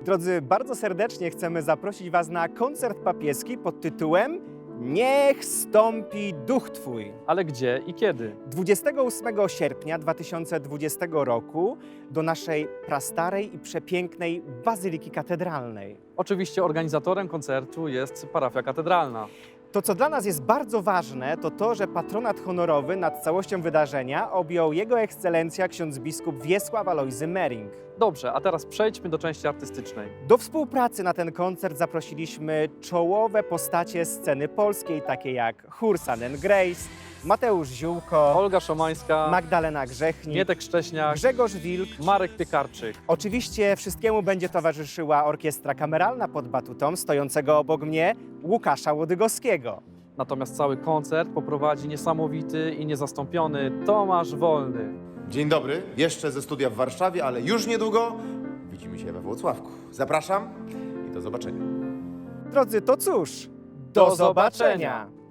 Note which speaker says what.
Speaker 1: Drodzy, bardzo serdecznie chcemy zaprosić Was na koncert papieski pod tytułem Niech stąpi duch Twój.
Speaker 2: Ale gdzie i kiedy?
Speaker 1: 28 sierpnia 2020 roku do naszej prastarej i przepięknej Bazyliki Katedralnej.
Speaker 2: Oczywiście organizatorem koncertu jest parafia katedralna.
Speaker 1: To, co dla nas jest bardzo ważne, to to, że patronat honorowy nad całością wydarzenia objął Jego Ekscelencja ksiądz biskup Wiesław Alojzy Mering.
Speaker 2: Dobrze, a teraz przejdźmy do części artystycznej.
Speaker 1: Do współpracy na ten koncert zaprosiliśmy czołowe postacie sceny polskiej, takie jak chór Sun and Grace, Mateusz Ziółko,
Speaker 2: Olga Szomańska,
Speaker 1: Magdalena Grzechnik,
Speaker 2: Mietek Szcześniak,
Speaker 1: Grzegorz Wilk.
Speaker 2: Marek Piekarczyk.
Speaker 1: Oczywiście wszystkiemu będzie towarzyszyła orkiestra kameralna pod batutą stojącego obok mnie Łukasza Łodygowskiego.
Speaker 2: Natomiast cały koncert poprowadzi niesamowity i niezastąpiony Tomasz Wolny.
Speaker 3: Dzień dobry, jeszcze ze studia w Warszawie, ale już niedługo widzimy się we Włocławku. Zapraszam i do zobaczenia.
Speaker 1: Drodzy, to cóż,
Speaker 2: Do zobaczenia.